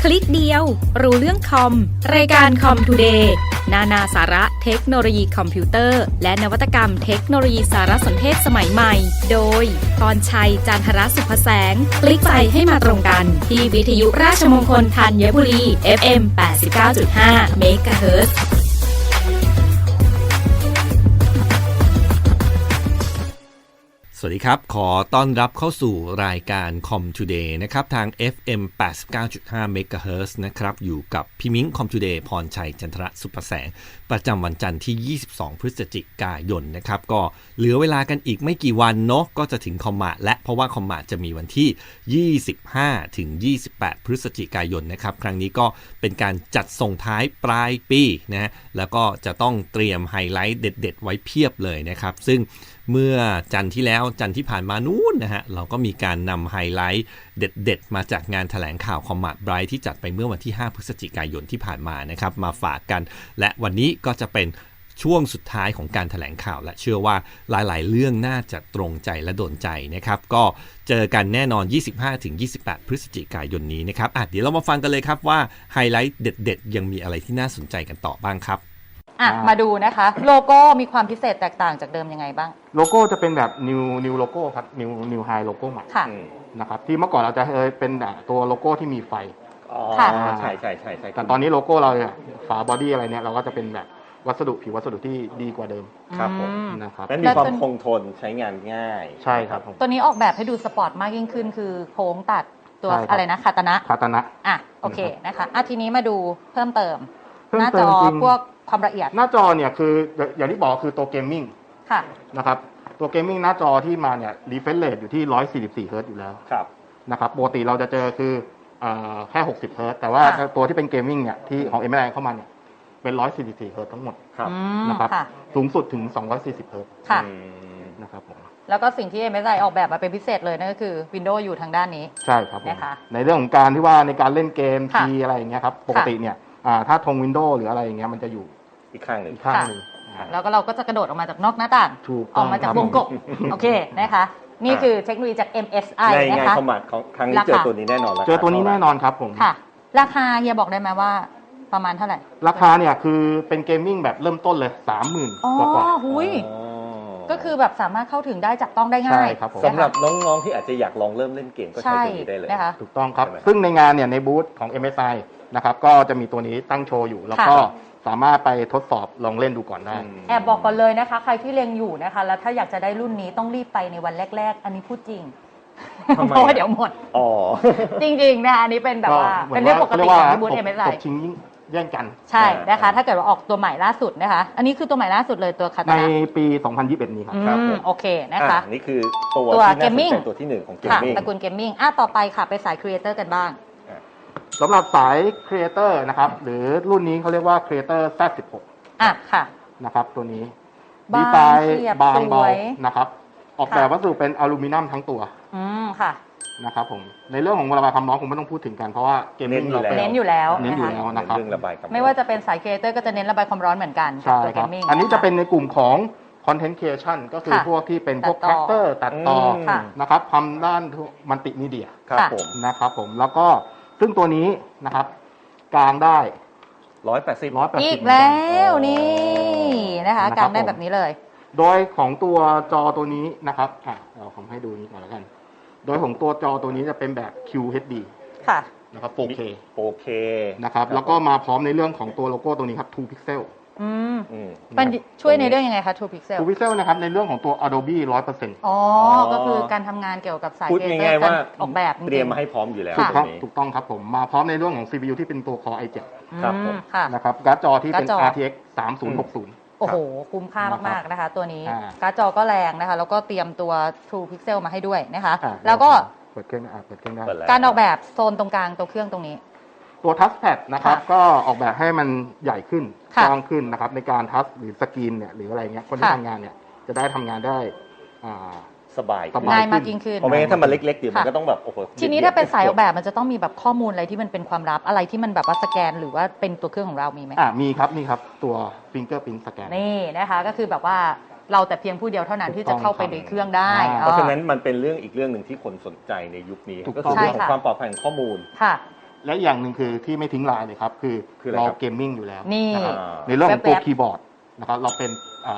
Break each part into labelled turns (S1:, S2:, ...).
S1: คลิกเดียวรู้เรื่องคอมรายการคอมทูเดย์นาสาระเทคโนโลยีคอมพิวเตอร์และนวัตกรรมเทคโนโลยีสารสนเทศสมัยใหม่โดยพรชัยจันทรสุภแสงคลิกไปให้มาตรงกันที่วิทยุราชมงคลธัญบุรี FM 89.5 เมกะเฮิรตซ์
S2: สวัสดีครับขอต้อนรับเข้าสู่รายการ Com Today นะครับทาง FM 89.5 MHz นะครับอยู่กับพี่มิ้ง Com Today พรชัยจันทรสุภแสงประจำวันจันทร์ที่22พฤศจิกายนนะครับก็เหลือเวลากันอีกไม่กี่วันเนาะก็จะถึงคอมมาและเพราะว่าคอมมาจะมีวันที่25ถึง28พฤศจิกายนนะครับครั้งนี้ก็เป็นการจัดส่งท้ายปลายปีนะแล้วก็จะต้องเตรียมไฮไลท์เด็ดๆไว้เพียบเลยนะครับซึ่งเมื่อจันทร์ที่แล้วจันทร์ที่ผ่านมานู้นนะฮะเราก็มีการนำไฮไลท์เด็ดๆมาจากงานแถลงข่าวคอมมาไบรท์ที่จัดไปเมื่อวันที่5พฤศจิกายนที่ผ่านมานะครับมาฝากกันและวันนี้ก็จะเป็นช่วงสุดท้ายของการแถลงข่าวและเชื่อว่าหลายๆเรื่องน่าจะตรงใจและโดนใจนะครับก็เจอกันแน่นอน 25-28 พฤศจิกายนนี้นะครับเดี๋ยวเรามาฟังกันเลยครับว่าไฮไลท์เด็ดๆยังมีอะไรที่น่าสนใจกันต่อบ้างครับ
S3: มาดูนะคะโลโก้มีความพิเศษแตกต่างจากเดิมยังไงบ้าง
S4: โลโก้จะเป็นแบบ new โลโก้ครับ new high โลโก้ใหม่นะครับที่เมื่อก่อนเราจะเป็นตัวโลโก้ที่มีไฟ
S2: ใช่
S4: แต่ตอนนี้โลโก้เราเนี่ยฝาบอดี้อะไรเนี่ยเราก็จะเป็นแบบผิววัสดุที่ดีกว่าเดิม
S2: ครับผม
S4: นะครับ
S2: และมีความคงทนใช้งานง่าย
S4: ใช่ครับ
S3: ตัวนี้ออกแบบให้ดูสปอร์ตมากยิ่งขึ้นคือโค้งตัดตัวอะไรนะคาตนะโอเคนะคะทีนี้มาดูเพิ่มเติมหน้าจอพวกความละเอียด
S4: หน้าจอเนี่ยคืออย่างที่บอกคือตัวเกมมิ่งนะครับตัวเกมมิ่งหน้าจอที่มาเนี่ย refresh rate อยู่ที่144 Hz อยู่แล้วนะครับปกติเราจะเจอคือแค่60 Hz แต่ว่าตัวที่เป็นเกมมิ่งเนี่ยที่ของ MSI เข้ามาเนี่ยเป็น144 Hz ทั้งหมดนะครับสูงสุดถึง240 Hz นะครับผม
S3: แล้วก็สิ่งที่ MSI ออกแบบมาเป็นพิเศษเลยนั่นก็คือ Windows อยู่ทางด้านนี้
S4: ใช่ครับนะคะในเรื่องของการที่ว่าในการเล่นเกมทีอะไรอย่างเงี้ยครับปกติเนี่ยถ้าธง Windows หรืออะไรอย่างเงี้ยมันจะอยู่
S2: อีกข้างหนึ่ง
S3: แล้วก็เราก็จะกระโดดออกมาจากนอกหน้าต่างออกมาจากวงกบโอเคนะคะนี่คือเทคโนโลยีจาก MSI
S2: นะคะในงานคอมมาของครั้งนี้เจอตัวนี้แน่นอน
S4: เจอตัวนี้แน่นอนครับผม
S3: ค่ะราคาเฮียบอกได้ไหมว่าประมาณเท่าไหร่
S4: ราคาเนี่ยคือเป็นเกมมิ่งแบบเริ่มต้นเลย 30,000 กว่า
S3: ก็คือแบบสามารถเข้าถึงได้จับต้องได้ง่าย
S2: สำหรับน้องๆที่อาจจะอยากลองเริ่มเล่นเกมก็ใช้ตัวนี้ได้เลย
S4: ถูกต้องครับซึ่งในงานเนี่ยในบูธของ MSI นะครับก็จะมีตัวนี้ตั้งโชว์อยู่แล้วก็สามารถไปทดสอบลองเล่นดูก่อนได้
S3: แอบบอกก่อนเลยนะคะใครที่เล็งอยู่นะคะแล้วถ้าอยากจะได้รุ่นนี้ต้องรีบไปในวันแรกๆอันนี้พูดจริงเพราะว่าเดี๋ยวหมดจริงๆนะอันนี้เป็นแบบว่าเป็นเรื่องปกติของที่บูธ MSI
S4: ชิงแย่งกัน
S3: ใช่นะคะถ้าเกิดว่าออกตัวใหม่ล่าสุดนะคะอันนี้คือตัวใหม่ล่าสุดเลยตัวคาตานะ
S4: ในปี 2021 นี้ครับ
S3: โอเคนะคะ
S2: นี่คือตัวเกมมิ่งตัวที่1ของเกมมิ่ง
S3: ตระกูลเกมมิ่งต่อไปค่ะไปสายครีเอเตอร์กันบ้าง
S4: สำหรับสายครีเอเตอร์นะครับหรือรุ่นนี้เขาเรียกว่า Creator Z16
S3: ค่ะ
S4: นะครับตัวนี้ดีไซน์บางเบานะครับออกแบบวัสดุเป็นอลูมิเนียมทั้งตัว
S3: ค่ะ
S4: นะครับผมในเรื่องของระบายความร้อนคงไม่ต้องพูดถึงกันเพราะว่าเกมมิ่งเรา
S3: เน้นอยู่แล้ว
S4: นะครับ
S3: ไม่ว่าจะเป็นสายครีเอเตอร์ก็จะเน้นระบายความร้อนเหมือนกัน
S4: ใช่ครับอันนี้จะเป็นในกลุ่มของ Content Creation ก็คือพวกที่เป็นพวกแคคเตอร์ตัดต่อนะครับทำด้านมัลติมีเดียนะครับผมแล้วก็ซึ่งตัวนี้นะครับกลางได้
S2: 180
S3: อีกแล้วนี่นะคะกลางได้แบบนี้เลย
S4: โดยของตัวจอตัวนี้นะครับเราทำให้ดูนี้ก่อนแล้วกันโดยของตัวจอตัวนี้จะเป็นแบบ QHD นะครับ 4K นะครับแล้วก็มาพร้อมในเรื่องของตัวโลโก้ตัวนี้ครับ2 Pixel
S3: มันช่วยในเรื่องยังไงคะ2 Pixel
S4: 2 Pixel นะครับในเรื่องของตัว Adobe 100%
S3: ก็คือการทำงานเกี่ยวกับสาย
S2: พูดง่ายๆว่า
S3: ออกแบบ
S2: เตรียมมาให้พร้อมอยู่แล้ว
S4: ถูกต้องครับผมมาพร้อมในเรื่องของ CPU ที่เป็นตัว Core i7
S2: ครับผม
S4: นะครับการ์ดจอที่เป็น RTX 3060
S3: โอ้โหคุ้มค่ามากๆนะคะตัวนี้การ์ดจอก็แรงนะคะแล้วก็เตรียมตัว 2 Pixel มาให้ด้วยนะคะแล้วก็
S4: เปิดเครื่องได้
S3: การออกแบบโซนตรงกลางตัวเครื่องตรงนี้
S4: ตัวทัชแพดนะครับก็ออกแบบให้มันใหญ่ขึ้นกว้างขึ้นนะครับในการทัชหรือสกรีนเนี่ยหรืออะไรเงี้ยคนที่ทำงานเนี่ยจะได้ทำงานได้
S2: สบาย
S3: ง่ายมากยิ่งขึ้น
S2: เพราะไม่งั้นถ้ามันเล็กๆเดี๋ยวมันก็ต้องแบบโอ้โห
S3: ทีนี้ถ้าเป็นสายออกแบบมันจะต้องมีแบบข้อมูลอะไรที่มันเป็นความลับอะไรที่มันแบบว่าสแกนหรือว่าเป็นตัวเครื่องของเรามีไหม
S4: มีครับตัวฟิงเกอร์พิ้นสแกน
S3: นี่นะคะก็คือแบบว่าเราแต่เพียงผู้เดียวเท่านั้นที่จะเข้าไปในเครื่องได้
S2: เพราะฉะนั้นมันเป็นเรื่องอีกเรื่องหนึ่งที่คนสนใจในยุคนี้ก็คือเรื่องของความปลอดภัยของข้อมูล
S4: และอย่างหนึ่งคือที่ไม่ทิ้งลายเลยครับคือ
S2: อะไร
S4: เรา
S2: ครับ
S4: เกมมิ่งอยู่แล้ว
S3: นี่
S4: นะครับในเรื่องของตัว
S3: แว๊บๆ
S4: คีย์บอร์ดนะครับเราเป็น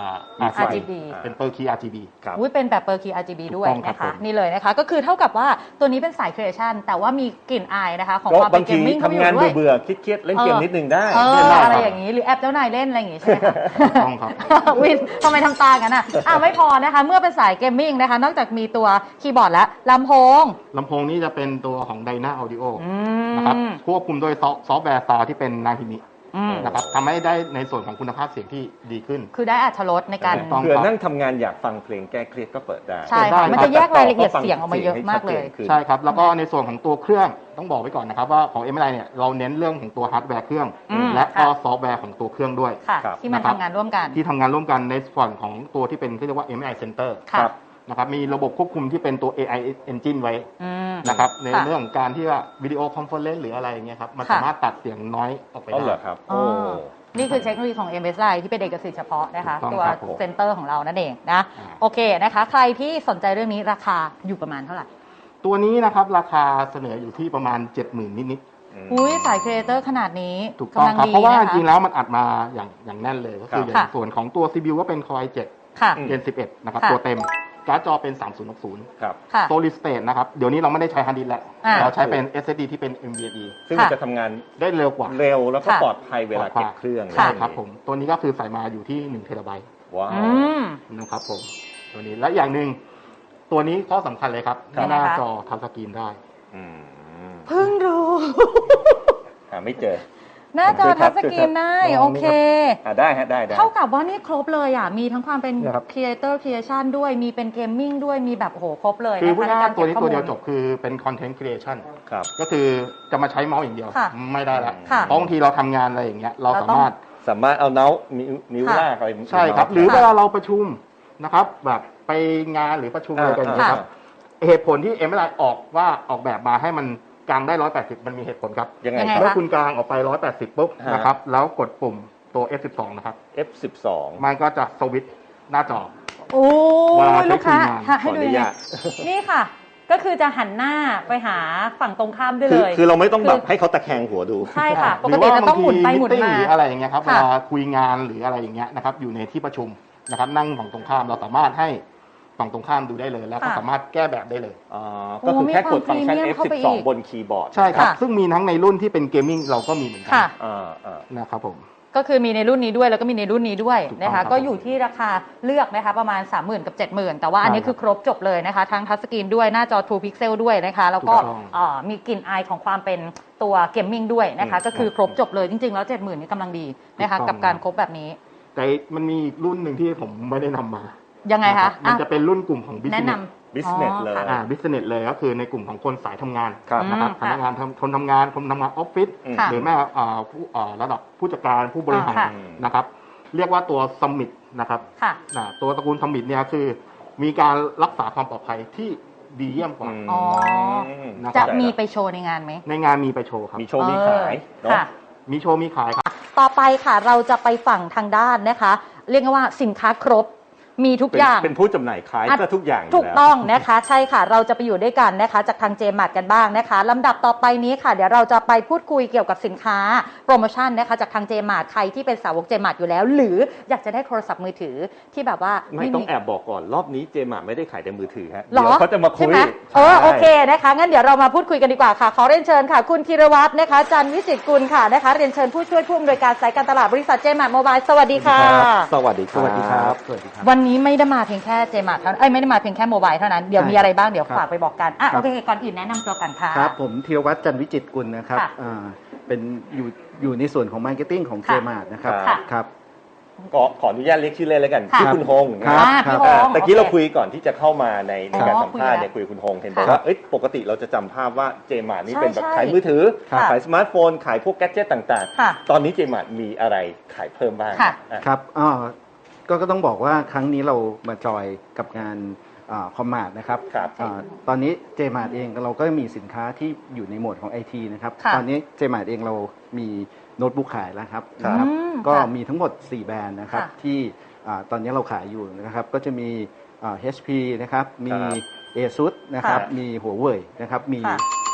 S3: RGB
S4: เป็นเปอร์คีย์ RGB
S2: ครับ
S3: อุ้ยเป็นแบบเปอร์คี RGB
S4: ถูก
S3: ด้วย
S4: ต้องครับ
S3: นะคะ
S4: ผม
S3: นี่เลยนะคะ ก็คือเท่ากับว่าตัวนี้เป็นสายครีเอชันแต่ว่ามีกลิ่นอายนะคะของ
S2: ก็
S3: ความเป็
S2: บาน ง
S3: เก
S2: ที
S3: มมิ่งเข้าไปอ
S2: ทำงาน
S3: ยู่ด้วย
S2: เบื่อๆเครียดๆเล่นเกมนิดนึงได้
S3: เล่น
S4: ได้
S3: อะไร
S4: ครับ
S3: อย่างนี้หรือแอปเจ้านายเล่นอะไรอย่างงี้ใช่ไหมคะ
S4: ถูกต้องครับ
S3: วินทำไมทำตากันอ่ะไม่พอนะคะ เมื่อเป็นสายเกมมิ่งนะคะ นอกจากมีตัวคีย์บอร์ดแล้วลำโพง
S4: ลำโพงนี้จะเป็นตัวของ Dyna Audio
S3: อื
S4: นะครับ
S3: ม
S4: ควบคุมโดยซอฟต์แวร์ซาวที่เป็นนาฮิมิ
S3: อืม
S4: นะครับทำให้ได้ในส่วนของคุณภาพเสียงที่ดีขึ้น
S3: คือได้อรรถรสในการ
S4: ถูกต้อง
S2: เผื่อนั่งทำงานอยากฟังเพลงแก้เครียดก็เปิดได้
S3: ใช่ค่ะ
S4: ได้
S3: มันจะแยกรายละเอียดเสียงออกมาเยอะมากเลย
S2: ขึ้น
S4: ใช่ครับ แล้วก็ในส่วนของตัวเครื่องต้องบอกไว้ก่อนนะครับว่าของ MSI เนี่ยเราเน้นเรื่องของตัวฮาร์ดแวร์เครื่อง
S3: อืม
S4: และก็
S3: ค่ะ
S4: ซอฟต์แวร์ของตัวเครื่องด้วย
S3: ค่ะ
S2: ครับ
S3: ที่มัน
S4: นะครับ
S3: ทำงานร่วมกัน
S4: ที่ทำงานร่วมกันในส่วนของตัวที่เป็นที่เรียกว่า MSI Center
S3: ค่ะ
S2: ครับ
S4: นะครับมีระบบควบคุมที่เป็นตัว AI Engine ไว้
S3: อืม
S4: นะครับใน
S3: ค่ะ
S4: เรื่องของการที่ว่าวิดีโอคอนเฟอเรนซ์หรืออะไรอย่างเงี้ยครับมัน
S3: ค่ะ
S4: สามารถตัดเสียงน้อยออกไป
S2: อ๋อเหร
S4: ได้
S2: อครับ
S3: อ๋
S2: โอ้
S3: อ นี่คือเทคโนโลยีของ MSI ที่เป็นเอกสิทธิ์เฉพาะนะคะ
S4: ถูกต้อง
S3: ตัว
S4: ครับผม
S3: เซ็นเตอร์ของเรานั่นเองนะ
S4: อ่า
S3: โอเคนะคะ ใครที่สนใจเรื่องนี้ราคาอยู่ประมาณเท่าไหร่
S4: ตัวนี้นะครับราคาเสนออยู่ที่ประมาณ 70,000 นิด
S3: อุ้ยสายครีเอเตอร์ขนาดนี้
S4: ๆถูกต้อง
S3: กำลัง
S4: ครับ
S3: ดี
S4: เพราะว่า
S3: นะ
S4: จริงๆ
S3: คะ
S4: แล้วมันอัดมาอย่างแน่นเลยก็คือ
S2: ครับ
S4: อย่างส่วนของตัว CPU ก็เป็น Core i7
S3: ค่ะ
S4: Gen 11 นะครับ
S3: ค่ะ
S4: ตัวเต็มการ์ดจอเป็น 3060
S2: ครับ
S3: ค่ะ
S4: Solid State นะครับเดี๋ยวนี้เราไม่ได้ใช้ Hard Disk แล้ว
S3: อ่า
S4: เราใช้เป็น SSD ที่เป็น NVMe
S2: ซึ่ง
S3: ค่ะ
S2: มันจะทำงาน
S4: ได้เร็วกว่า
S2: เร็วแล้วก็
S3: ค่ะ
S2: ปลอดภัยเวลาเก็บเครื่อง
S3: ค่ะ
S4: ใช่ครับผมตัวนี้ก็คือใส่มาอยู่ที่1 เทราไบต์
S2: ว้าว
S3: อืม
S4: นะครับผมตัวนี้และอย่างหนึ่งตัวนี้ข้อสำคัญเลยครับ
S3: ครับ
S4: หน้าจอทัชสกรีนได้
S2: อืม
S3: เพิ่งรู้
S2: หาไม่เจอ
S3: หน้าจอทัชสกรีนได้
S2: ช่วยครับ
S3: โอเค
S2: ได้ฮะได้
S3: เท่ากับว่านี่ครบเลยอ่ะ มีทั้งความเป็น
S4: เนี่ยครับ
S3: ครีเอเตอร์ครีเอชันด้วย มีเป็นเกมมิ่งด้วย มีแบบโอ้โหครบเลย
S4: คือ
S3: นะ
S4: พูด
S3: คะใน
S4: ง่าย
S3: การ
S4: ๆตัวนี้
S3: ก็บ
S4: ตัวเดียว
S3: ข้อมูล
S4: จบคือเป็นคอนเทนต์ครีเอชัน
S2: ครับ
S4: ก็คือจะมาใช้เมาส์อย่างเดียว
S3: ค่ะ
S4: ไม่ได้ละ
S3: ค่ะ
S4: เพราะบางทีเราทำงานอะไรอย่างเงี้ยเรา
S3: เรา
S4: สา
S3: ต้อง
S4: มารถ
S2: สามารถเอานิ้วลากอะไร
S4: ใช่ครับ หรือเวลาเราประชุมนะครับแบบไปงานหรือประชุมอะไรกันอย่างเงี้ยครับเหตุผลที่ MSI ออกแบบมาให้มันกางได้ 180 มันมีเหตุผลครับ
S2: ยังไง
S3: ยังไง
S2: ค
S4: เมื่
S2: รั
S4: อบ คุณกางออกไป 180 ปุ๊บ
S2: ฮะ
S4: นะครับแล้วกดปุ่มตัว F12 นะครับ
S2: F12
S4: มันก็จะสวิตช์หน้าจอ
S3: โอ้
S4: เวลาใช้
S3: ลูกค้า
S4: คุยงาน
S3: ค่ะ
S2: ข
S3: ให้
S2: ออ
S3: ดู
S2: นุ
S3: ยังไง
S2: ญาต
S3: นี่ค่ะ ก็คือจะหันหน้าไปหาฝั่งตรงข้ามได้เลย
S2: คือเราไม่ต้องแบบให้เขาตะแคงหัวดู
S3: ใช่ค่ะ ป
S4: ห
S3: ก
S4: รือ
S3: ติ
S4: ว่า
S3: เราต้องหมุนไปหมุน
S4: meeting
S3: มา
S4: หรืออะไรอย่างเงี้ยครับเว
S3: ค่ะ
S4: ลาคุยงานหรืออะไรอย่างเงี้ยนะครับอยู่ในที่ประชุมนะครับนั่งฝั่งตรงข้ามเราสามารถให้ฝั่งตรงข้ามดูได้เลย แล้วก็
S3: ค่ะ
S4: สามารถแก้แบบได้เลย
S2: อ๋อ ก็คือแค่กดฟังก์ชัน
S3: มีความพรีเมียมเข้าไปอี
S2: F12
S3: ก
S2: บนคีย์บอร์ด
S4: ใช่ครับ
S3: ค่ะ
S4: ซึ่งมีทั้งในรุ่นที่เป็นเกมมิ่งเราก็มีเหมือนกั
S3: ค่ะ
S4: นะครับผม
S3: ก็คือมีในรุ่นนี้ด้วยแล้วก็มีในรุ่นนี้ด้วย
S4: ถูกต้อง
S3: นะ
S4: ครั
S3: คะ
S4: บ
S3: ก็อยู่ที่ราคาเลือกนะคะประมาณ 30,000 กับ 70,000 แต่ว่าอันนี้
S4: ใช่ครับ
S3: คือครบจบเลยนะคะทั้งทัชสกรีนด้วยหน้าจอ True Pixel ด้วยนะคะแล้วก็
S4: ถูกต้อง
S3: มีกลิ่นอายของความเป็นตัวเกมมิ่งด้วยนะคะก็คือครบจบเลยจริงๆแล้ว 70,000 นี่กำลังดีนะคะ
S4: ถูกต้อง
S3: กับการครบแบบนี้
S4: แต่มันมีอีกรุ่นหนึ่งที่ผมไม่ได้นำมา
S3: ยังไง
S4: นรั
S3: คะ
S4: บมันจะเป็นรุ่นกลุ่มของ
S3: แนะ
S4: business
S3: นำ
S2: Business เลย
S3: ค่ะ
S4: business เลยก็คือในกลุ่มของคนสายทำงาน
S2: ครับ
S4: นะครับ
S3: อืม
S4: พนักงานคนทำงานคนทำงานออฟฟิศ
S3: ค่ะ
S4: หรือแม้ผู้ระดับผู้จัดการผู้บริหาร
S3: ค่ะ
S4: นะครับ เรียกว่าตัวสมิธนะครับ
S3: ค่ะ
S4: ตัวตระกูลสมิธเนี่ยคือมีการรักษาความปลอดภัยที่ดีเยี่ยมกว่า
S3: อ๋อ
S4: นะค
S3: จะ
S4: รับ
S3: มีไปโชว์ในงานไหม
S4: ในงานมีไปโชว์ครับ
S2: มีโชว์มีขายเนาะ
S3: ค่ะ
S4: มีโชว์มีขายครับ
S3: ต่อไปค่ะเราจะไปฝั่งทางด้านนะคะ เรียกว่าสินค้าครบมีทุกอย่าง
S2: เป็นผู้จำหน่ายขายก็ทุกอย่างอยู่
S3: ถูก
S2: แล้ว
S3: ต้องนะคะใช่ค่ะเราจะไปอยู่ด้วยกันนะคะจากทางเจมาร์ทกันบ้างนะคะลำดับต่อไปนี้ค่ะเดี๋ยวเราจะไปพูดคุยเกี่ยวกับสินค้าโปรโมชั่นนะคะจากทางเจมาร์ทใครที่เป็นสาวกเจมาร์ทอยู่แล้ว หรืออยากจะได้โทรศัพท์มือถือที่แบบว่า
S2: ไม่ต้องแอบบอกก่อนรอบนี้เจมาไม่ได้ขายแต่มือถือฮะ
S3: หรอ
S2: เดี๋ยวเขาจะมาคุ
S3: ใช่
S2: ย
S3: ไหมโอเคนะคะงั้นเดี๋ยวเรามาพูดคุยกันดีกว่าค่ะขอเรียนเชิญค่ะคุณธีรวัฒน์นะคะจันทร์วิจิตรกุลค่ะนะคะเรียนเชิญผู้ช่วยผู้อำนวยการสายการตลาดบริษัทเจมาร์ทโมบายสวัสดีค่ะ
S2: สวัสดีครับ
S4: สวัสดีครับสวัสดีครับ
S3: วันนี้ไม่ได้มาเพียงแค่เจมาร์ทเท่านั้นไม่ได้มาเพียงแค่โมบายเท่านั้นเดี๋ยวมีอะไรบ้างเดี๋ยวฝากไปบอกกันโอเคก่อนอื่นแนะนำตัวกันค่ะ
S5: ครับผมธีรวัฒน์จันทร์วิจิตรกุลนะครับ
S3: ค่ะ
S5: เป็นอยู่ในส่วนของมาร์เก็ตติ้งของเจ
S3: ค่ะ
S5: มาร์ทนะครับ
S3: ค่ะ
S5: ครับ
S2: ก็ขออนุญาตเรียกชื่อเล่นแล้วกัน
S3: ค่ะ
S2: ชื่อคุณฮง
S5: ครั
S2: นะ
S5: บ
S3: พี่
S2: อ่า
S3: ฮง
S2: ตะกี้เรา
S3: โอ
S2: คุยก่อนที่จะเข้ามาในการสัมภาษณ์เนี่ย
S3: คุ
S2: คุ
S3: ย
S2: ย
S3: กัน
S2: กับคุณฮงเห็นบอก
S3: ค่ะ
S2: ว่าเอ้ยปกติเราจะจำภาพว่าเจมาร์นี่เป็นแบบ
S3: ใช่
S2: ขายมือถือ
S3: ค่ะ
S2: ขายสมาร์ทโฟนขายพวกแกดเจิตต่าง
S3: ค่ะ
S2: ๆ ตอนนี้เจมาร์มีอะไรขายเพิ่มบ้าง
S3: ค่ะ
S2: อ่ะ
S5: ครับก็ต้องบอกว่าครั้งนี้เรามาจอยกับงานคอมมาร์ทนะครับ
S2: ครับ
S5: ตอนนี้เจมาร์ทเองเราก็มีสินค้าที่อยู่ในโหมดของ IT นะครับ
S3: ค่ะ
S5: ตอนนี้เจมาร์ทเองเรามีโน้ตบุ๊กขายแล้วครับ
S2: ครับ
S5: นะครับ ก็
S3: ค่ะ
S5: มีทั้งหมด 4 แบรนด์นะครับ
S3: ค่ะ
S5: ที่ตอนนี้เราขายอยู่นะครับก็จะมีHP นะครับมี
S2: ครับ
S5: ASUS นะครับ
S2: ค่ะ
S5: มีหัวเว่ยนะครับมี
S3: ค่ะ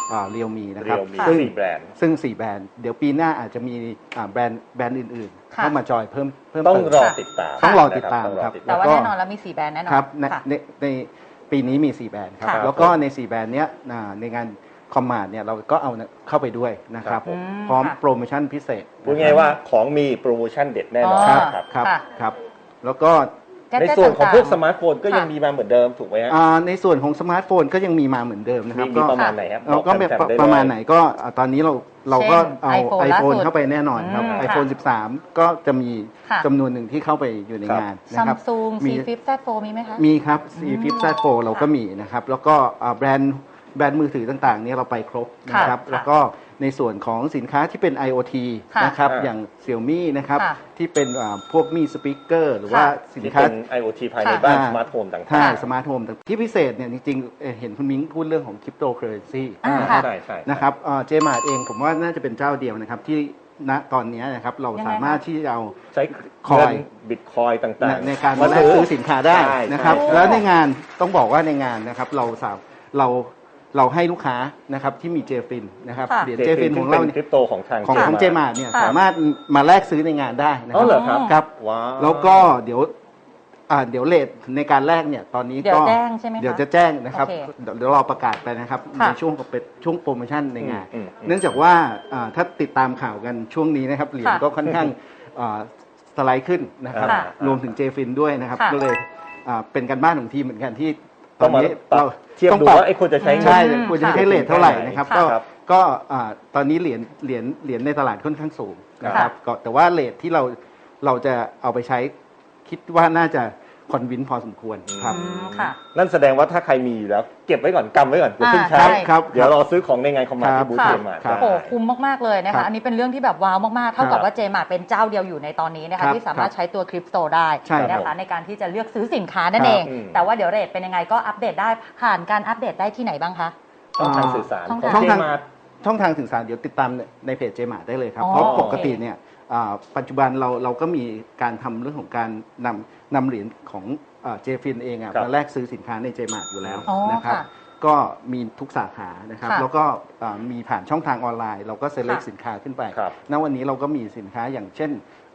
S5: เรียวมีนะครับ
S6: Realme
S5: ซึ่ง
S6: 4 แบรนด์
S5: 4 แบรนด์เดี๋ยวปีหน้าอาจจะมีแบรนด์อื่นๆ
S3: ค่ะ
S5: เข้ามาจอยเพิ่ม
S6: ต้อง
S5: เติม
S6: รอติดตาม
S5: ต้องรอติดตาม
S6: นะ
S5: ครับ
S3: แต่ว่า
S5: ล้ก็
S3: แน่นอนแล้วมี4แบรนด์แน่นอน
S5: ครับใน
S3: ค่ะ
S5: ในปีนี้มี 4 แบรนด์ครับ
S3: ค่ะ
S5: แล้วก็ใน 4 แบรนด์เนี้ยในงานคอมมาร์เนี่ยเราก็เอาเข้าไปด้วยนะครับ
S6: ครับผม
S5: พร้อม
S3: ค่ะ
S5: โปรโมชั่นพิเศษ
S6: พูดง่ายๆว่าของมีโปรโมชั่นเด็ดแน่นอน
S5: ครับ
S6: นะครับ
S5: ครับ
S3: ค่ะ
S5: ครับแล้วก็
S6: ในส่วนของพวกส
S3: ต่างๆ
S6: มาร์ทโฟนก็ยัง
S3: ค่ะ
S6: มีมาเหมือนเดิมถูกไหมฮะ
S5: ในส่วนของสมาร์ทโฟนก็ยังมีมาเหมือนเดิมนะครับ
S6: มีประมาณไหนครับ
S5: เราก็
S6: บอกแฟนๆได้เลย
S5: ประมาณไหนก็ตอนนี้เราก็เอา
S3: เช่น
S5: iPhone
S3: ล่าสุด
S5: เข้าไปแน่นอนครับ
S3: ค่ะ
S5: iPhone 13 ก็จะมี
S3: ค่ะ
S5: จำนวนหนึ่งที่เข้าไปอยู่ในงานนะ
S3: ซัม
S5: ครับ
S3: ซุง
S5: มี
S3: C Flip Z Fold มีไหมคะ
S5: มีครับ C Flip Z Fold เราก็มีนะครับ แล้วก็แบรนด์มือถือต่างๆเนี่ยเราไปครบนะครับ
S3: ค่ะ
S5: แล้วก็ในส่วนของสินค้าที่เป็น IoT
S3: ค่ะ
S5: นะครับ
S6: ค่ะ
S5: อย่าง Xiaomi นะครับ
S3: ค่ะ
S5: ที่เป็นพวกมีสปีกเกอร์หรือว่าสิน
S6: ที่
S5: ค้า
S6: เป็น IoT ภายในบ้านสมาร์ทโฟนต่าง
S5: ใช่
S6: ๆ
S5: สมาร์ทโฮมที่พิเศษเนี่ยจริงๆเห็นคุณมิ้งพูดเรื่องของคริปโตเคอเรนซี
S3: ค่ะ
S6: ใช่ใช่
S5: นะครับเจมาร์เองผมว่าน่าจะเป็นเจ้าเดียวนะครับที่ณตอนนี้นะครับเรา
S3: ยังไง
S5: สามารถที่จะเอา
S6: ใช้
S5: คอย
S6: เงินบิตคอยต่างๆ
S5: ในการมาแลกซื้อสินค้าได้
S6: ใช่
S5: นะครับ
S6: ใช่
S5: แล้วในงานต้องบอกว่าในงานนะครับเราให้ลูกค้านะครับที่มีเจฟินนะครับ
S3: ค่ะ
S5: เหรียญเจฟินของเรา
S6: คริปโตของทาง
S5: ของเจ
S6: มา
S5: มาร์เนี่ย
S3: ค่ะ
S5: สามารถมาแลกซื้อในงานได้นะค
S6: อ๋
S5: รั
S6: อเหรอครับ
S5: ครับ
S6: ว้าว
S5: แล้วก็เดี๋ยวเรทในการแลกเนี่ยตอนนี้
S3: เดี๋ย
S5: ก็
S3: วแจ้งใช่ไหมคะ
S5: เดี๋ยวจะแจ้งนะครับ
S3: โอเค
S5: เดี๋ยวรอประกาศไปนะครับ
S3: ค่ะ
S5: ในช่วงเป็นช่วงโปรโมชั่นในงาน
S6: อืม
S5: เนื่องจากว่าถ้าติดตามข่าวกันช่วงนี้นะครับเหรียญ
S3: ค่ะ
S5: ก็ค่อนข้างสไลด์ขึ้นนะครับ
S3: ค่ะ
S5: รวมถึงเจฟินด้วยนะครับ
S3: ค่ะ
S5: ก็เลยเป็นการบ้านของทีมเหมือนกันที่ต
S6: ต้
S5: อ
S6: อน งมา
S5: นี้
S6: ปรับ
S5: เรา
S6: เทียบ
S5: ต้อง
S6: ดู
S5: ปรับ
S6: ว่าไอ้ควรจะใช้
S5: ใช่
S6: เงิน
S5: ควรจะใช้เรทเท่าไหร่นะครับ
S3: ค่ะ
S5: ก็ตอนนี้เหรียญในตลาดค่อนข้างสูงนะครับก็แต่ว่าเรทที่เราจะเอาไปใช้คิดว่าน่าจะคอนวินพอสมควรครับ
S3: อืมค่ะ
S6: นั่นแสดงว่าถ้าใครมีอยู่แล้ว เก็บไว้ก่อนกำไว้ก่อนอย่าเพิ่ง
S3: ใช่
S6: ใช้
S5: ครับ
S6: เดี๋ยวรอซื้อของในงานคอมมาร์ทที่บูธ
S3: ค่ะ
S6: เจมาร์ท
S5: ครับ
S3: โอ้โหคุ้มมาก ๆ เลยนะ
S5: ครั
S3: คะ
S5: บ
S3: อันนี้เป็นเรื่องที่แบบว้าวมาก ๆ เท่ากับ
S5: ครับ
S3: ว่าเจมาร์เป็นเจ้าเดียวอยู่ในตอนนี้นะ
S5: ครั
S3: คะ
S5: บ
S3: ที่สามารถใช้ตัวคริปโตได้
S5: ใช่ครับ
S3: นะคะในการที่จะเลือกซื้อสินค้านั่น
S5: ครับ
S3: เอง
S6: อืม
S3: แต่ว่าเดี๋ยวเรทเป็นยังไงก็อัปเดตได้ผ่านการอัปเดตได้ที่ไหนบ้างคะ
S6: ช่องทางสื่อสาร
S3: ช่อง
S6: ของ
S3: ทาง
S6: เจ
S5: ช่องทาง
S6: มาร์ท
S5: ช่องทางสื่อสารเดี๋ยวติดตามในเพจเจมาร์ได้เลยครับ
S3: อ๋อ
S5: เพราะปกติ
S3: โอเค
S5: เนี่ยปัจจุบันเราก็มีการทำเรื่องของการนำเหรียญของเจฟินเอง
S6: ครับ
S5: มาแลกซื้อสินค้าในเจมาร์อยู่แล้ว
S3: อ๋อ
S5: นะครับ
S3: ค่ะ
S5: ก็มีทุกสาขานะครับ
S3: ค่ะ
S5: แล้วก็มีผ่านช่องทางออนไลน์ เราก็เซเล็ก
S3: ค่ะ
S5: สินค้าขึ้นไป
S6: ครับ
S5: ณวันนี้เราก็มีสินค้าอย่างเช่น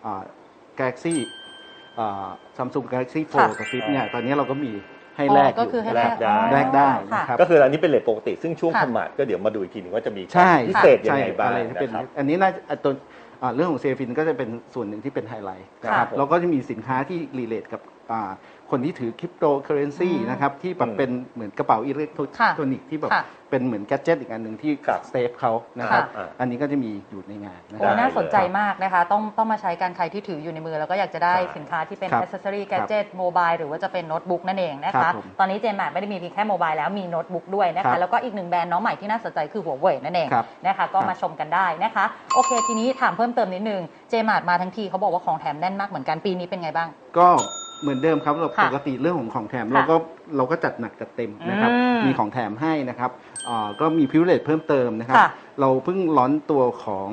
S5: Galaxy Samsung Galaxy
S3: ค่ะ
S5: 4 กับ Flip เนี่ยตอนนี้เราก็มีให้แลก
S3: ก็คือให้
S6: แลกได้
S5: แลกได้
S3: ค่ะ
S5: นะครับ
S6: ก็คืออันนี้เป็นเรทปกติ ซึ่งช่วง
S3: ค่ะ
S6: คอมมาร์ทก็เดี๋ยวมาดูอีกทีนึงว่าจะมี
S5: ใช่
S6: พิเศษยังไง
S5: ใช่
S6: บ้าง
S5: อะไรที่เป็น
S6: นะครับ
S5: อันนี้น่าจะตัวเรื่องของเซฟินก็จะเป็นส่วนหนึ่งที่เป็นไฮไลท์นะครับ
S6: ค่ะ
S5: แล้วก็จะมีสินค้าที่รีเลทกับคนที่ถือคริปโตเคอเรนซี
S3: อืม
S5: นะครับที่แบบเป็นเหมือนกระเป๋าอิเล็กทรอนิกส์ที่แบบ
S3: ค่ะ
S5: เป็นเหมือนแกดเจิตอีกอันหนึ่งที่
S6: ครับ
S5: เซฟเขานะครับ
S6: ค่ะ
S5: อันนี้ก็จะมีอยู่ในงานนะ
S3: โอ้
S5: ครับ
S3: น่าสนใจมากนะคะ ต้องมาใช้กันใครที่ถืออยู่ในมือ แล้วก็อยากจะได้
S6: ใช่
S3: สินค้าที่เป็น
S5: ครับ
S3: accessory gadget mobile หรือว่าจะเป็นโน้ตบุ๊กนั่นเองนะ
S5: ครั
S3: คะ
S5: บผม
S3: ตอนนี้เจมาร์ไม่ได้มีเพียงแค่โมบายแล้วมีโน้ตบุ๊กด้วยนะ
S5: ครั
S3: คะ
S5: บ
S3: แล้วก็อีกหนึ่งแบรนด์น้องใหม่ที่น่าสนใจคือหัวเว่ยนั่นเอง
S5: ครับ
S3: นะคะก็
S5: ครับ
S3: มาชมกันได้นะคะ โอเคทีนี้ถามเพิ่มเติมนิดนึงเจมาร์มาทั้งทีเขาบอกว่าของแถมแน่นมากเหมือนกันปีนี้เป็นไงบ้าง
S5: ก็เหมือนเดิมครับเรา
S3: ค่ะ
S5: ปกติเรื่องของแถม
S3: ค่ะ
S5: เราก็จัดหนักจัดเต็มนะครับ
S3: อืม
S5: มีของแถมให้นะครับก็มีพิเศษเพิ่มเติมนะครับ
S3: ค่ะ
S5: เราเพิ่งล้อนตัวของ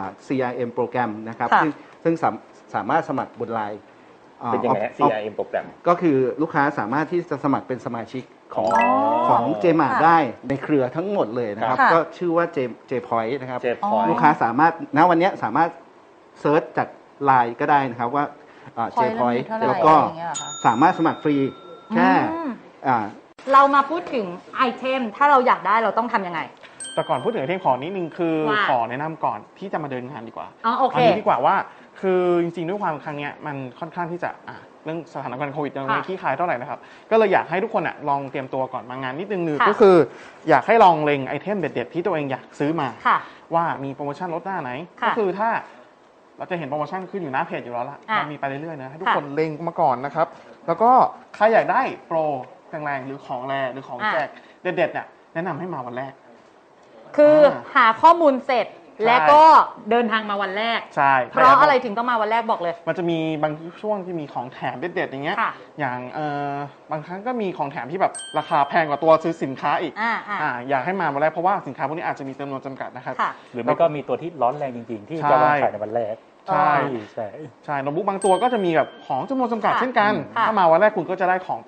S5: CRM โปรแกรมนะครับ
S3: ค่ะ
S5: ซึ่งสามารถสมัครบนไลน์
S6: เป็นยังไงฮะ CRM โปรแกรม
S5: ก็คือลูกค้าสามารถที่จะสมัครเป็นสมาชิกของ
S6: อ๋อ
S5: ของเจมา
S3: ค่ะ
S5: ได้ในเครือทั้งหมดเลยนะครับ
S3: ค่ะ
S5: ก็ชื่อว่าเจพอยต์นะครับ
S6: เจพอย
S5: ลูกค้าสามารถณวันนี้สามารถเซิร์ชจากไลน์ก็ได้นะครับว่าเจพอย
S3: Point
S5: ต์
S3: เท่าไหร่
S5: แล้วก็
S3: อะไรอย่างเงี้ยเหรอคะ
S5: สามารถสมัครฟรีแค่
S3: อืม
S5: อ่า
S3: เรามาพูดถึงไอเทมถ้าเราอยากได้เราต้องทำยังไง
S7: แต่ก่อนพูดถึงไอเทมขอนิดนึงคือ
S3: ว่า
S7: ขอแนะนำก่อนที่จะมาเดินงานดีกว่า
S3: อ๋อโอเค
S7: นนี้ดีกว่าว่าคือจริงๆด้วยความครั้งเนี้ยมันค่อนข้างที่จะเรื่องสถานการณ์โควิดยังไม่
S3: ค่ะ
S7: คลี่คลายเท่าไหร่นะครับก็เลยอยากให้ทุกคนลองเตรียมตัวก่อนมางานนิดนึง
S3: ค่ะ
S7: ก็คืออยากให้ลองเล็งไอเทมเด็ดๆที่ตัวเองอยากซื้อมา
S3: ค่ะ
S7: ว่ามีโปรโมชั่นลดหน้าไหน
S3: ค่ะ
S7: ก็คือถ้าเราจะเห็นโปรโมชั่นขึ้นอยู่หน้าเพจอยู่แล้วล่ะ
S3: อ่ะ
S7: มันมีไปเรื่อยๆนะให้ทุก
S3: ค่ะ
S7: คนเล็งมาก่อนนะครับแล้วก็ใครอยากได้โปรแรงๆหรือของแรงหรือของแจกเด็ดๆเนี่ยแนะนำให้มาวันแรก
S3: คือหาข้อมูลเสร็จ
S7: ใช่
S3: และก็เดินทางมาวันแรก
S7: ใช่
S3: เพราะอะไรถึงต้องมาวันแรกบอกเลย
S7: มันจะมีบางช่วงที่มีของแถมเด็ดๆอย่างเงี้ย
S3: ค่ะ
S7: อย่างบางครั้งก็มีของแถมที่แบบราคาแพงกว่าตัวซื้อสินค้าอีก อยากให้มาวันแรกเพราะว่าสินค้าพวกนี้อาจจะมีจำนวนจำกัดนะครับ
S3: ค่ะ
S8: หรือไม่ก็มีตัวที่ร้อนแรงจริงๆ ที่
S7: ใช่
S8: จะวางขายในวันแรก
S7: ใช่
S8: ใช่
S7: ใช่โน้ตบุ๊กบางตัวก็จะมีแบบของจำนวนจำกัด
S3: ค่ะ
S7: เช่นกัน
S3: ค่ะ
S7: ถ้ามาวันแรกคุณก็จะได้ของไป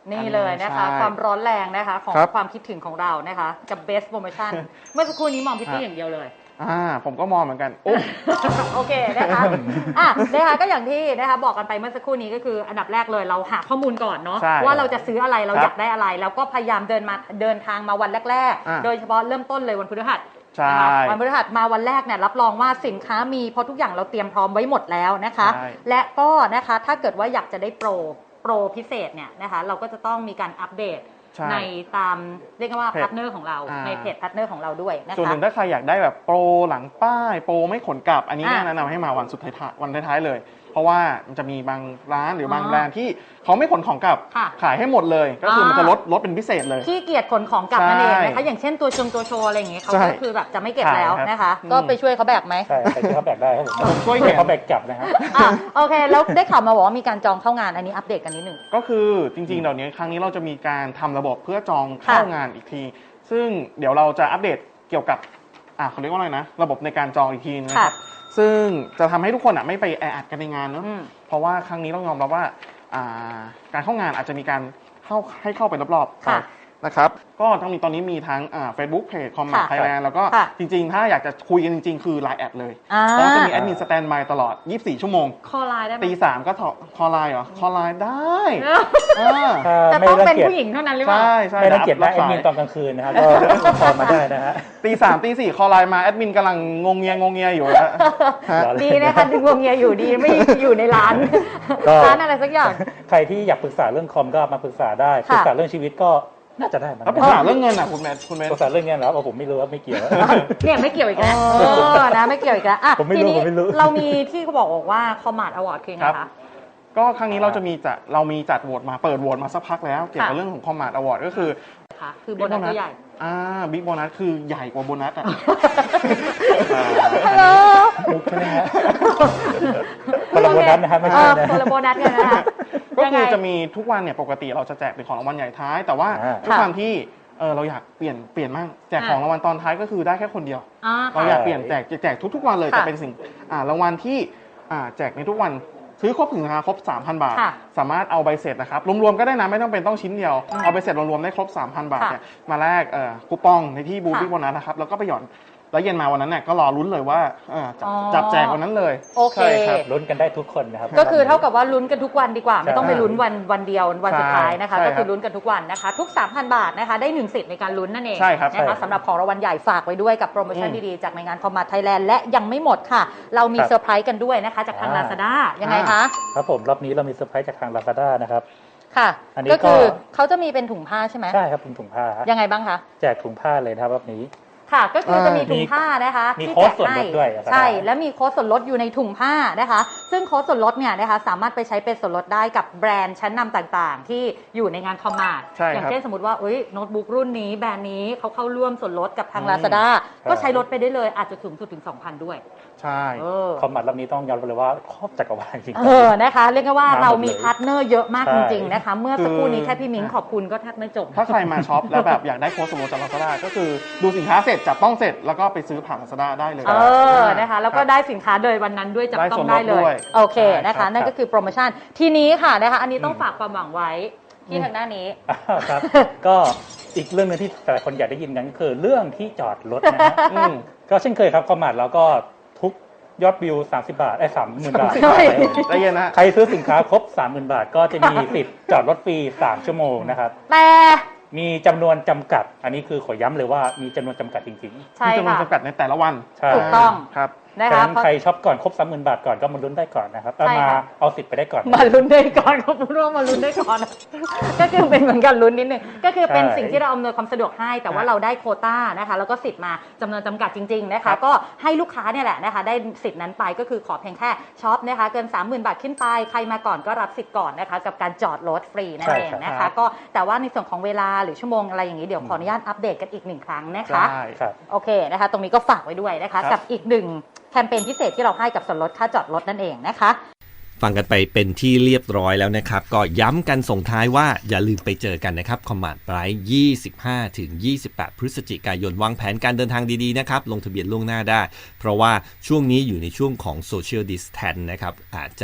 S3: นี่เลยนะคะ
S7: ใช่
S3: ความร้อนแรงนะคะของ
S7: ครับ
S3: ความคิดถึงของเรานะคะกับ best promotion เมื่อสักครู่นี้มองพี่ตี้อย่างเดียวเลย
S7: ผมก็มองเหมือนกันโอ้
S3: โอเคนะคะนะคะก็อย่างที่นะคะบอกกันไปเมื่อสักครู่นี้ก็คืออันดับแรกเลยเราหาข้อมูลก่อนเนาะ
S7: ใช่
S3: ว่าเราจะซื้ออะไรเรา
S7: ครับ
S3: อยากได้อะไร แล้วก็พยายามเดินทางมาวันแรก
S7: อ่า
S3: ๆ โดยเฉพาะเริ่มต้นเลยวันพฤหัส
S7: ใช่
S3: นะคะวันพฤหัสมาวันแรกเนี่ยรับรองว่าสินค้ามีเพราะทุกอย่างเราเตรียมพร้อมไว้หมดแล้วนะคะ
S7: ใช่
S3: และก็นะคะถ้าเกิดว่าอยากจะได้โปรพิเศษเนี่ยนะคะเราก็จะต้องมีการอัปเดต
S7: ใช่
S3: ในตามเรียกว่า
S7: เพจ
S3: พาร์ทเนอร์ของเราในเพจพาร์ทเนอร์ของเราด้วยนะคะ
S7: ส่วนหนึ่งถ้าใครอยากได้แบบโปรหลังป้ายโปรไม่ขนกลับ อันนี้
S3: อ่ะ
S7: แนะนำให้มาวันสุดท้ายวันท้ายๆเลย เพราะว่ามันจะมีบางร้านหรือบางแบรนด์ที่เขาไม่ขนของกลับ
S3: ค่ะ
S7: ขายให้หมดเลย ก็คือมันจะลดเป็นพิเศษเลย
S3: ขี้เกียจขนของกลับนั่นเองนะ
S7: ใช่
S3: คะอย่างเช่นตัวโชว์อะไรอย่างเงี้ยเขา
S7: ใช่
S3: ก็คือแบบจะไม่เก็บแล้ว
S7: ใช่ครับ
S3: นะคะ
S7: อืม
S3: ก็ไปช่วยเขาแบกไหม
S8: ใช่ใครที่เขาแบกได้ครับผม
S7: ช่วยแขน
S8: เขาแบกกลับนะครับ
S3: โอเค แล้วได้ข่าวมาบอกว่ามีการจองเข้างานอันนี้อัปเดตกันนิดหนึ่ง
S7: ก็คือจริงๆเดี๋ยวนี้ครั้งนี้เราจะมีการทำระบบเพื่อจองเข้างานอีกที ซึ่งเดี๋ยวเราจะอัปเดตเกี่ยวกับเขาเรียกว่าอะไรนะ ระบบในการจองอีกทีนะครับ ซึ่งจะทำให้ทุกคนไม่ไปแออัดกันในงานเนอะ
S3: อืม
S7: เพราะว่าครั้งนี้ต้องยอมรับว่าการเข้างานอาจจะมีการให้เข้าไปรอบๆ
S3: ค่ะ
S7: นะครับ ก็ต้องมีตอนนี้มีทั้งFacebook Page Combat
S3: ค่ะ
S7: Thailand แล้วก็
S3: ค่ะ
S7: จริงๆ ถ้าอยากจะคุยกันจริงๆ คือ Line แอดเลย
S3: อ่า
S7: เพราะว่าจะมีแอดมินสแตนบายตลอด 24 ชั่วโมง
S3: คอไลน์ได้ไหม
S7: ตี 3 ก็คอไลน์เหรอ คอไลน์ได้เออ
S3: จะ
S8: ไม่
S3: ต้อง
S8: รั
S3: เป็น
S8: เกียจ
S3: ผู้หญิงเท่านั้นหรือเปล่า
S7: ใช่ใช่
S8: ไม่รังเกียจ
S7: รั
S8: นะแอดมินตอนกลางคืนนะครับก็คอลมาได้นะฮะ
S7: ตี 3 ตี 4 คอไลน์มาแอดมินกำลังงงเงียอยู่แล้วฮะ
S3: ดีนะคะดึงวงเงียอยู่ดีไม่อยู่ในร้าน
S8: ก็
S3: ร้านอะไรสักอย่าง
S8: ใครที่อยากปรึกษาเรื่องคอมก็มาปรึกษาได้
S3: ค่ะ
S8: ปรึกษาเรื่องชีวิตก็น่าจะได้มั้ง
S7: แล้วปรึกษาเรื่องเงินคุณแมท
S8: ปรึกษาเรื่องเงินแล้วผมไม่รู้ว่าไม่เกี่ยว
S3: เนี่ยไม่เกี่ยวอีกแล้วนะไม่เกี่ยวอีกแล้วอ่ะ
S8: ผมไม่รู้
S3: ทีนี้
S8: ผมไม่รู้
S3: เรามีที่เขาบอกว่าคอมมาดอวอร์ดคือไง
S7: ครับ
S3: คะ
S7: ก็ครั้งนี้เรามีจัดโหวตมาเปิดโหวตมาสักพักแล้ว เกี่ยวกับเรื่องของคอมมาดอวอร์ดก็คือ
S3: ค่ะคือโบนัสตัวใหญ่
S7: บิ๊กโบนัสคือใหญ่กว่าโบนัสอ่ะ
S3: ฮัลโหล
S8: มุกใช่ไหมฮะ คนละโบนัสนะครับไม่ใช่นะ
S3: คนละโบนัสกันนะคะ
S7: ก็
S3: ยังไง
S7: คือจะมีทุกวันเนี่ยปกติเราจะแจกเป็นของรางวัลใหญ่ท้าย แต่ว่า
S8: อ่า
S7: ด้วยความที่เราอยากเปลี่ยนมั่งแจกของรางวัลตอนท้ายก็คือได้แค่คนเดียว เราอยากเปลี่ยนแจกทุกๆวันเลย
S3: ค่ะ
S7: จะเป็นสิ่งรางวัลที่แจกในทุกวันซื้อครบถึงราคาครบ 3,000 บาท
S3: ค่ะ
S7: สามารถเอาใบเสร็จนะครับรวมๆก็ได้นะไม่ต้องเป็นต้องชิ้นเดียว เอาใบเสร็จรวมๆได้ครบ 3,000 บาท
S3: ค่ะ
S7: เนี่ยมาแลกคูปองในที่บูธ
S3: ค่ะ
S7: บิ๊กโบนัสนะครับแล้วก็ไปหย่อนแล้วเย็นมาวันนั้นเนี่ยก็รอลุ้นเลยว่าจับแจกวันนั้นเลย
S3: โอเค
S7: ใช่ครับ
S8: ลุ้นกันได้ทุกคนนะครับ
S3: ก็คือเท่ากับว่าลุ้นกันทุกวันดีกว่า ไม่ต้องไปลุ้นวันเดียววันสุดท้ายนะคะ
S7: ใช่
S3: ก็
S7: ครับ
S3: คือลุ้นกันทุกวันนะคะ ทุก 3,000 บาทนะคะได้1สิทธิ์ในการลุ้นนั่นเอง
S7: ใช่ครับ
S3: นะคะ
S7: ใช่
S3: สำหรับของรางวัลใหญ่ฝากไว้ด้วยกับโปรโมชั่น
S7: อืม
S3: ดีๆจากในงานคอมมาไทยแลนด์และยังไม่หมดค่ะ เรามี
S8: ครับ
S3: เซอร์ไพรส์กันด้วยนะคะจากทาง Lazada ยังไงคะ
S8: ครับผมรอบนี้เรามีเซอร์ไพรส์จากทาง Lazada นะครับ
S3: ค่ะ
S8: อันนี้
S3: ก็คือ
S8: ก็
S3: เขาจะมีเป็นถุงผ้าใช่ไหม
S8: ใช่ครับเป็นถุงผ้าฮะ
S3: ยังไงบ้างคะ
S8: แจกถุงผ้าเลยนะครับรอบนี้
S3: ค่ะก็คือจะมีถุงผ้านะคะ
S8: มี
S3: ที่
S8: โค้
S3: แจ
S8: ด
S3: ก
S8: ส่วนล
S3: ให้
S8: ดด้วยนะครับ
S3: ใช่และมีโค้ดส่วนลดอยู่ในถุงผ้านะคะ ซึ่งโค้ดส่วนลดเนี่ยนะคะสามารถไปใช้เป็นส่วนลดได้กับแบรนด์ชั้นนำต่างๆ ที่อยู่ในงานคอมมาร์ท
S7: ใช่ครับ
S3: อย่างเช่นสมมติว่าโน้ตบุ๊กรุ่นนี้แบรนด์นี้เขาเข้าร่วมส่วนลดกับทาง
S7: อืม
S3: Lazada
S8: ครับ
S3: ก็ใช้ลดไปได้เลยอาจจะสูงสุดถึง 2,000 ด้วย
S7: ใช่
S8: คอมมัดรอบนี้ต้องยอมรับเลยว่าครอบจักรวาลจริง
S3: นะคะเรียกได้ว่า
S8: มาหมด
S3: เรามี
S8: เลย
S3: พาร์ทเนอร์เยอะมาก
S8: ใช่
S3: จริงๆนะคะเมื่อสักครู่นี้แค่พี่มิ้งขอบคุณก็แทบไม่จบ
S7: ถ้าใครมาช็อปแล้วแบบอยากได้โค้ดส่วนลดจาก Lazada ก็คือดูสินค้าเสร็จจับต้องเสร็จแล้วก็ไปซื้อผ่าน Lazada ได้เลย
S3: นะคะแล้วก็ได้สินค้าโดยวันนั้นด้วยจับต้อง
S7: ได้
S3: ได้
S7: ส่วนลด
S3: เล
S7: ด้วย ย
S3: โอเค
S7: ใช่
S3: นะ
S7: ครั
S3: คะ
S7: บ
S3: นั่นก็คือโปรโมชั่นทีนี้ค่ะนะคะอันนี้ต้องฝากความหวังไว้ที่ทางหน้านี้
S8: ครับ ก็อีกเรื่องหนึงที่แต่ละคนอยากได้ยินกันก็คือเรื่องที่จอดรถนะฮะ
S7: อืม
S8: ก็เช่นเคยครับคอมมัดแล้วก็ทุกยอดวิว30 บาท30,000 บาท
S3: ใช่
S7: ใจเย็นนะ
S8: ใครซื้อสินค้าครบ 30,000 บาท ก็จะมีสิทธิ์จอดรถฟรี3 ชั่วโมงนะครับ
S3: แต่
S8: มีจำนวนจำกัด อันนี้คือขอย้ำเลยว่ามีจำนวนจำกัดจริง
S3: ใช่
S7: มีจำนวน
S3: ค่ะ
S7: จำกัดในแต่ละวัน
S8: ๆ ใช่
S3: ถูกต้อง
S7: ครับ
S8: ฉะ
S3: นะคะ
S8: นั้นใครช็อปก่อนครบ 30,000 บาทก่อนก็มาลุ้นได้ก่อนนะครับเอา
S3: ใช่
S8: มา
S3: ค่ะ
S8: เอาสิทธิ์ไปได้ก่อน
S3: มาลุ้นได้ก่อนเขาพูดว่ามาลุ้นได้ก่อน ก็คือเป็นเหมือนกันลุ้นนิดนึงก็คือเป็น
S8: ใช่
S3: สิ่งที่เราอำนวยความสะดวกให้แต่ว่าเราได้โควต้านะคะแล้วก็สิทธิ์มาจำนวนจำกัดจริงๆนะ
S7: ครั
S3: คะ
S7: บ
S3: ก็ให้ลูกค้าเนี่ยแหละนะคะได้สิทธิ์นั้นไปก็คือขอเพียงแค่ช็อปนะคะเกิน 30,000 บาทขึ้นไปใครมาก่อนก็รับสิทธิ์ก่อนนะคะกับการจอดรถฟรีนั่นเองนะ
S7: ครั
S3: คะ
S7: บ
S3: ก็แต่ว่าในส่วนของเวลาหรือชั่วโมงอะไรอย่างนี้เดี๋ยวขออนุญาตอัปเดตกันอีกหนึ่งครั้งนะคะ
S7: ใช่
S8: ครับ
S3: โอเคนะคะตรงนี้ก็ฝากไว้ด้วยนะคะ
S7: ครับ
S3: กับอีกหนึ่งแคมเปญพิเศษที่เราให้กับส่วนลดค่าจอดรถนั่นเองนะคะ
S2: ฟังกันไปเป็นที่เรียบร้อยแล้วนะครับ ก็ย้ำกันส่งท้ายว่าอย่าลืมไปเจอกันนะครับ Combat Ride 25-28 พฤศจิกายนวางแผนการเดินทางดีๆนะครับ ลงทะเบียนล่วงหน้าได้ เพราะว่าช่วงนี้อยู่ในช่วงของ Social Distance นะครับอาจจะ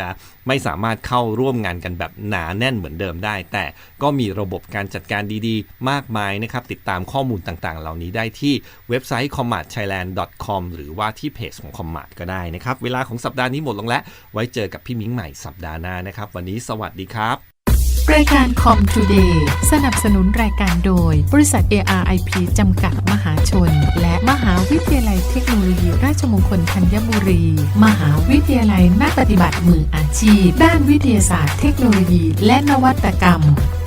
S2: ไม่สามารถเข้าร่วมงานกันแบบหนาแน่นเหมือนเดิมได้แต่ก็มีระบบการจัดการดีๆมากมายนะครับติดตามข้อมูลต่างๆเหล่านี้ได้ที่เว็บไซต์ commartthailand.com หรือว่าที่เพจของ Commart ก็ได้นะครับเวลาของสัปดาห์นี้หมดลงแล้วไว้เจอกับพี่มิ้งใหม่สัปดาห์หน้านะครับวันนี้สวัสดีครับ
S9: รายการ Com Today สนับสนุนรายการโดยบริษัท ARIP จำกัดมหาชนและมหาวิทยาลัยเทคโนโลยีราชมงคลธัญบุรีมหาวิทยาลัยนักปฏิบัติมืออาชีพด้านวิทยาศาสตร์เทคโนโลยีและนวัตกรรม